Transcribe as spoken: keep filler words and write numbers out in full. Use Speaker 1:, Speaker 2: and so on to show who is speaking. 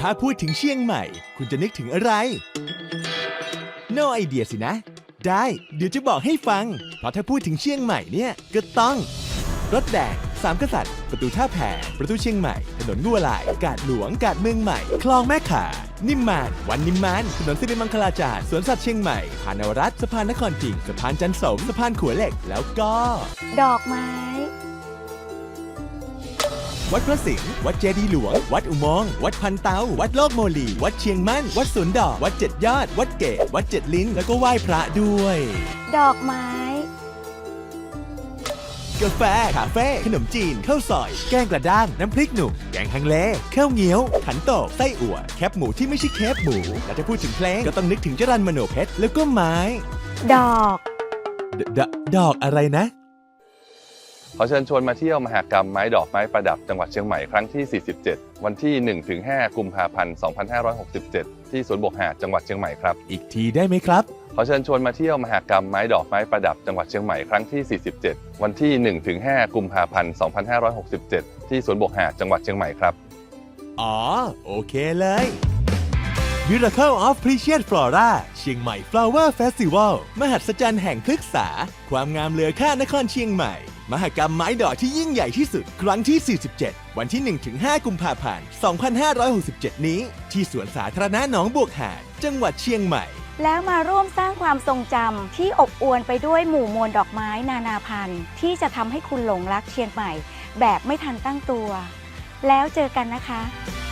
Speaker 1: ถ้าพูดถึงเชียงใหม่คุณจะนึกถึงอะไร No idea สินะ ได้เดี๋ยวจะบอกให้ฟัง เพราะถ้าพูดถึงเชียงใหม่เนี่ยก็ต้องรถแดงสามกษัตริย์ประตูท่าแพประตูเชียงใหม่ถนนงัวลายกาดหลวงกาดเมืองใหม่คลองแม่ข่านิมมานวันนิมมานถนนสิริมังคลาจารย์สวนสัตว์เชียงใหม่พานนวรัตน์สะพานนครพิงค์สะพานจันทร์สมสะพานขัวเหล็กแล้วก็
Speaker 2: ดอกไม้
Speaker 1: วัดพระสิงห์วัดเจดีย์หลวงวัดอุโมงค์วัดพันเตาวัดโลกโมลีวัดเชียงมั่นวัดสวนดอกวัดเจ็ดยอดวัดเกศวัดเจ็ดลิ้นแล้วก็ไหว้พระด้วย
Speaker 2: ดอกไม้
Speaker 1: กาแฟคาเฟ่ขนมจีนข้าวซอยแกงกระด้างน้ำพริกหนุ่มแกงฮังเลข้าวเงี้ยวขันโตกไส้อั่วแคบหมูที่ไม่ใช่เคปหมูและถ้าพูดถึงเพลงก็ต้องนึกถึงจรัญมโนเพชรแล้วก็ไม้
Speaker 2: ดอก
Speaker 1: ดดดอกอะไรนะ
Speaker 3: ขอเชิญชวนมาเที่ยวมหกรรมไม้ดอกไม้ประดับจังหวัดเชียงใหม่ครั้งที่ สี่สิบเจ็ด วันที่ หนึ่งถึงห้า กุมภาพันธ์ สองพันห้าร้อยหกสิบเจ็ด ที่สวนบกหาดจังหวัดเชียงใหม่ครับ
Speaker 1: อีกทีได้ไหมครับ
Speaker 3: ขอเชิญชวนมาเที่ยวมหกรรมไม้ดอกไม้ประดับจังหวัดเชียงใหม่ครั้งที่ สี่สิบเจ็ด วันที่ หนึ่งถึงห้า กุมภาพันธ์ สองพันห้าร้อยหกสิบเจ็ด ที่สวนบกหาดจังหวัดเชียงใหม่ครับ
Speaker 1: อ๋อโอเคเลย Miracle of Precious Flora เชียงใหม่ Flower Festival มหัศจรรย์แห่งพฤกษาความงามเหลือค่านครเชียงใหม่มหกรรมไม้ดอกที่ยิ่งใหญ่ที่สุดครั้งที่ สี่สิบเจ็ด วันที่ หนึ่งถึงห้า กุมภาพันธ์ สองพันห้าร้อยหกสิบเจ็ด นี้ที่สวนสาธารณะหนองบวกหาดจังหวัดเชียงใหม่
Speaker 2: แล้วมาร่วมสร้างความทรงจำที่อบอวลไปด้วยหมู่มวลดอกไม้นานาพันธุ์ที่จะทำให้คุณหลงรักเชียงใหม่แบบไม่ทันตั้งตัว แล้วเจอกันนะคะ